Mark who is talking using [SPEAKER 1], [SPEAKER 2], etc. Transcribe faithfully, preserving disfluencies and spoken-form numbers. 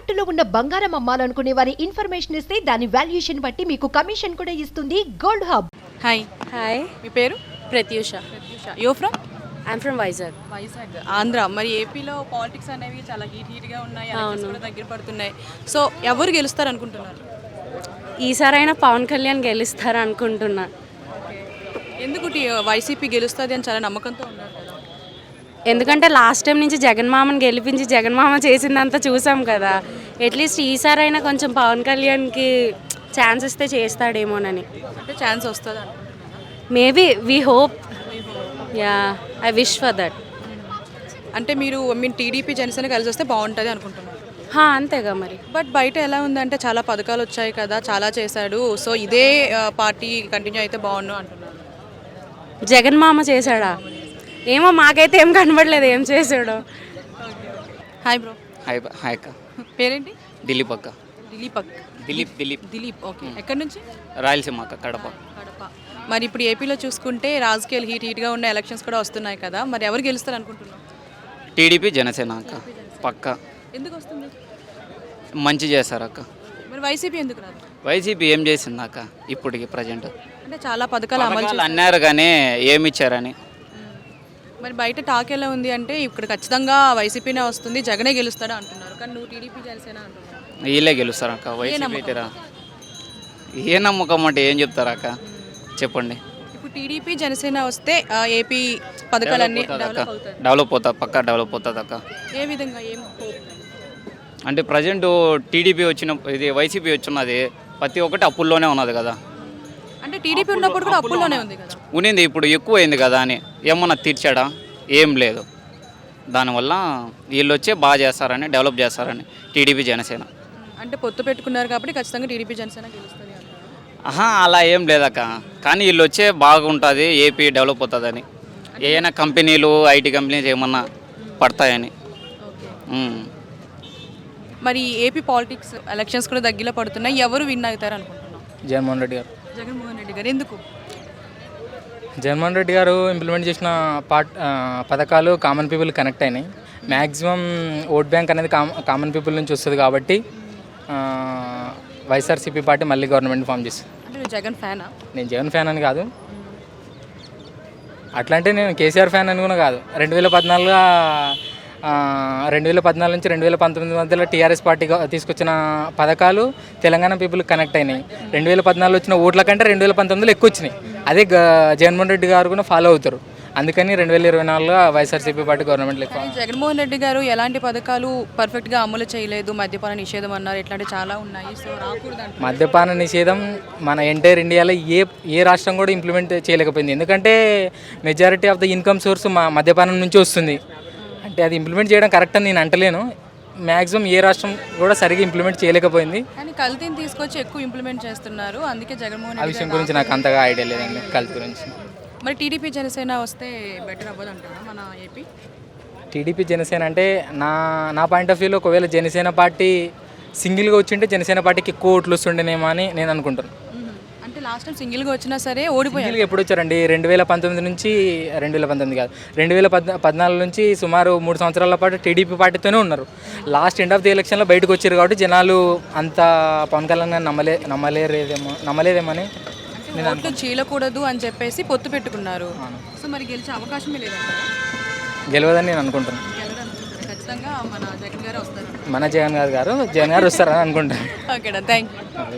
[SPEAKER 1] తాకట్టులో ఉన్న బంగారం అమ్మాలనుకునే వారి ఇన్ఫర్మేషన్ ఇస్తే దాని వాల్యుయేషన్ బట్టి మీకు కమిషన్ కూడా ఇస్తుంది గోల్డ్ హబ్.
[SPEAKER 2] హాయ్
[SPEAKER 3] హాయ్,
[SPEAKER 2] మీ పేరు?
[SPEAKER 3] Pratyusha.
[SPEAKER 2] Yo from
[SPEAKER 3] I'm from Vizag.
[SPEAKER 2] Vizag, Andhra. మరి ఏపీలో పాలిటిక్స్ అనేవి చాలా హీట్ హీట్గా ఉన్నాయి, ఎలక్షన్స్ కూడా దగ్గర పడుతున్నాయి. సో ఎవరు గెలుస్తారు అనుకుంటున్నారు?
[SPEAKER 3] ఈసారైనా పవన్ కళ్యాణ్ గెలుస్తారు అనుకుంటున్నా.
[SPEAKER 2] ఎందుకు టీ- వైసీపీ గెలుస్తుంది అని చాలా నమ్మకంతో ఉన్నారు కదా.
[SPEAKER 3] ఎందుకంటే లాస్ట్ టైం నుంచి జగన్మామని గెలిపించి జగన్మామ చేసిందంతా చూసాం కదా. అట్లీస్ట్ ఈసారైనా కొంచెం పవన్ కళ్యాణ్కి ఛాన్స్ ఇస్తే చేస్తాడేమోనని.
[SPEAKER 2] అంటే ఛాన్స్ వస్తుంది అనుకుంటున్నాను.
[SPEAKER 3] Maybe we hope. Yeah, I wish for that.
[SPEAKER 2] అంటే మీరు మీన్ టీడీపీ జనసేన కలిసి వస్తే బాగుంటుంది అనుకుంటున్నారు.
[SPEAKER 3] హా, అంతేగా మరి.
[SPEAKER 2] బట్ బయట ఎలా ఉందంటే చాలా పథకాలు వచ్చాయి కదా, చాలా చేశాడు, సో ఇదే ఆ, పార్టీ కంటిన్యూ అయితే బాగుండు అంటున్నారు.
[SPEAKER 3] జగన్మామ చేశాడా ఏమో, మాకైతే ఏం కనబడలేదు ఏం చేశాడో.
[SPEAKER 2] Hi bro.
[SPEAKER 4] హాయ్ బ- హాయ్ అక్క.
[SPEAKER 2] పేరేంటి?
[SPEAKER 4] దిలీప్ అక్క.
[SPEAKER 2] దిలీప్ అక్
[SPEAKER 4] దిలీప్ దిలీప్
[SPEAKER 2] దిలీప్ ఓకే. ఎక్కడి నుంచి?
[SPEAKER 4] రాయలసీమ అక్క, కడప.
[SPEAKER 2] కడప. మరి ఇప్పుడు ఏపీలో చూసుకుంటే రాజకీయాలు హీట్ హీట్గా ఉన్న ఎలక్షన్స్ కూడా వస్తున్నాయి కదా, మరి ఎవరు గెలుస్తారు అనుకుంటున్నాం?
[SPEAKER 4] టీడీపీ జనసేన అక్క పక్క.
[SPEAKER 2] ఎందుకు వస్తుంది?
[SPEAKER 4] మంచి చేశారు అక్క.
[SPEAKER 2] మరి వైసీపీ ఎందుకు రాదు?
[SPEAKER 4] వైసీపీ ఏం చేసింది అక్క ఇప్పటికి ప్రజెంట్?
[SPEAKER 2] అంటే చాలా పథకాలు అమలు చేశారు.
[SPEAKER 4] అన్నారు కానీ ఏమి ఇచ్చారని.
[SPEAKER 2] మరి బయట టాక్ ఎలా ఉంది అంటే ఇక్కడ ఖచ్చితంగా వైసీపీనే వస్తుంది, జగనే గెలుస్తాడు అంటున్నారు. కానీ నువ్వు టీడీపీ జనసేన అంటున్నావు.
[SPEAKER 4] వీళ్ళే గెలుస్తారు అక్క. వైసీపీ అయితే రా. ఏ నమ్మకం అంటే ఏం చెప్తారు అక్క, చెప్పండి.
[SPEAKER 2] ఇప్పుడు టీడీపీ జనసేన వస్తే ఆ, ఏపీ పథకాలన్నీ డెవలప్ అవుతాయి.
[SPEAKER 4] డెవలప్ అవుతుంది పక్క, డెవలప్ అవుతుంది అక్క.
[SPEAKER 2] ఏ విధంగా? ఏం hope?
[SPEAKER 4] అంటే ప్రజెంట్ టీడీపీ వచ్చిన ఇది వైసీపీ వచ్చినది ప్రతి ఒక్కటి అప్పుల్లోనే ఉన్నది కదా.
[SPEAKER 2] అంటే టీడీపీ ఉన్నప్పుడు కూడా అప్పుల్లోనే ఉంది కదా.
[SPEAKER 4] ఉన్నింది, ఇప్పుడు ఎక్కువ అయింది కదా అని ఏమన్నా తీర్చాడా? ఏం లేదు. దానివల్ల వీళ్ళు వచ్చే బాగా చేస్తారని, డెవలప్ చేస్తారని టీడీపీ జనసేన.
[SPEAKER 2] అంటే పొత్తు పెట్టుకున్నారు కాబట్టి ఖచ్చితంగా టీడీపీ జనసేన గెలుస్తుంది అంటారు.
[SPEAKER 4] ఆహా, అలా ఏం లేదక్క. కానీ వీళ్ళు వచ్చే బాగుంటుంది, ఏపీ డెవలప్ అవుతుందని. ఏమైనా కంపెనీలు, ఐటీ కంపెనీస్ ఏమన్నా పడతాయని.
[SPEAKER 2] ఓకే.
[SPEAKER 4] ఉమ్.
[SPEAKER 2] మరి ఏపీ పాలిటిక్స్ ఎలక్షన్స్ కూడా దగ్గరలో పడుతున్నాయి, ఎవరు విన్ అవుతారు అనుకుంటున్నాం?
[SPEAKER 5] జగన్మోహన్ రెడ్డి గారు.
[SPEAKER 2] జగన్మోహన్ రెడ్డి గారు. ఎందుకు?
[SPEAKER 5] జగన్మోహన్ రెడ్డి గారు ఇంప్లిమెంట్ చేసిన పార్ట్ ఆ, పథకాలు కామన్ పీపుల్ కనెక్ట్ అయినాయి. మ్యాక్సిమం ఓట్ బ్యాంక్ అనేది కామ కామన్ పీపుల్ నుంచి వస్తుంది కాబట్టి ఆ, వైఎస్ఆర్సీపీ పార్టీ మళ్ళీ గవర్నమెంట్ ఫామ్ చేస్తుంది.
[SPEAKER 2] అంటే నువ్వు జగన్ ఫ్యానా?
[SPEAKER 5] నేను జగన్ ఫ్యాన్ అని కాదు, అట్లా అంటే నేను కేసీఆర్ ఫ్యాన్ అని కూడా కాదు. రెండు వేల పద్నాలుగులో రెండు వేల పద్నాలుగు నుంచి రెండు వేల పంతొమ్మిది మధ్యలో టీఆర్ఎస్ పార్టీ గ- తీసుకొచ్చిన పథకాలు తెలంగాణ పీపుల్ కనెక్ట్ అయినాయి. రెండు వేల పద్నాలుగులో వచ్చిన ఓట్ల కంటే రెండు వేల పంతొమ్మిదిలో ఎక్కువ వచ్చినాయి. అదే గ- జగన్మోహన్ రెడ్డి గారు కూడా ఫాలో అవుతారు. అందుకని రెండు వేల ఇరవై నాలుగులో వైఎస్ఆర్సీపీ పార్టీ గవర్నమెంట్లో ఎక్కువ.
[SPEAKER 2] కానీ జగన్మోహన్ రెడ్డి గారు ఎలాంటి పథకాలు పర్ఫెక్ట్గా అమలు చేయలేదు, మద్యపాన నిషేధం అన్నారు, ఇట్లాంటివి చాలా ఉన్నాయి. సో రాకూడదు అంటారు.
[SPEAKER 5] మద్యపాన నిషేధం మన ఎంటైర్ ఇండియాలో ఏ ఏ రాష్ట్రం కూడా ఇంప్లిమెంట్ చేయలేకపోయింది. ఎందుకంటే majority of the income source మా మద్యపానం నుంచి వస్తుంది. అంటే అది ఇంప్లిమెంట్ చేయడం కరెక్ట్ అని నేను అంటలేను. మ్యాక్సిమం ఏ రాష్ట్రం కూడా సరిగా ఇంప్లిమెంట్ చేయలేకపోయింది.
[SPEAKER 2] కానీ కల్తీని తీసుకొచ్చి ఎక్కువ ఇంప్లిమెంట్ చేస్తున్నారు, అందుకే జగన్మోహన్
[SPEAKER 5] ఆ
[SPEAKER 2] రెడ్డి
[SPEAKER 5] విషయం
[SPEAKER 2] గారు
[SPEAKER 5] గురించి నాకు అంతగా ఐడియా లేదండి, కల్తీ గురించి.
[SPEAKER 2] మరి టీడీపీ జనసేన వస్తే బెటర్ అవ్వదు అంటారా మన ఏపీ?
[SPEAKER 5] టీడీపీ జనసేన అంటే నా నా పాయింట్ ఆఫ్ వ్యూలో ఒకవేళ జనసేన పార్టీ సింగిల్గా వచ్చింటే జనసేన పార్టీకి ఎక్కువ ఓట్లు వస్తుండేనేమో అని నేను అనుకుంటున్నాను.
[SPEAKER 2] అంటే లాస్ట్ టైం సింగిల్గా వచ్చినా సరే ఓడిపోయారు.
[SPEAKER 5] సింగిల్గా ఎప్పుడు వచ్చారండి? రెండు వేల పంతొమ్మిది నుంచి రెండు వేల పంతొమ్మిది కాదు రెండు వేల పద్ పద్నాలుగు నుంచి సుమారు మూడు సంవత్సరాల పాటు టీడీపీ పార్టీతోనే ఉన్నారు. లాస్ట్ ఎండ్ ఆఫ్ ది ఎలక్షన్లో బయటకు వచ్చారు కాబట్టి జనాలు అంత పవన్ కళ్యాణ్ గారిని నమ్మలే నమ్మలేరేదేమో నమ్మలేదేమని
[SPEAKER 2] అంటే ఓట్లు చీలకూడదు అని చెప్పేసి పొత్తు పెట్టుకున్నారు. సో మరి గెలిచే అవకాశమే లేదంటారా?
[SPEAKER 5] గెలవదని నేను అనుకుంటున్నాను.
[SPEAKER 2] గెలవడానికి ఖచ్చితంగా మన జగన్ గారు వస్తారు.
[SPEAKER 5] మన జగన్ గారు గారు జగన్ గారు వస్తారని అనుకుంటాను.
[SPEAKER 2] ఓకేనా, థ్యాంక్ యూ.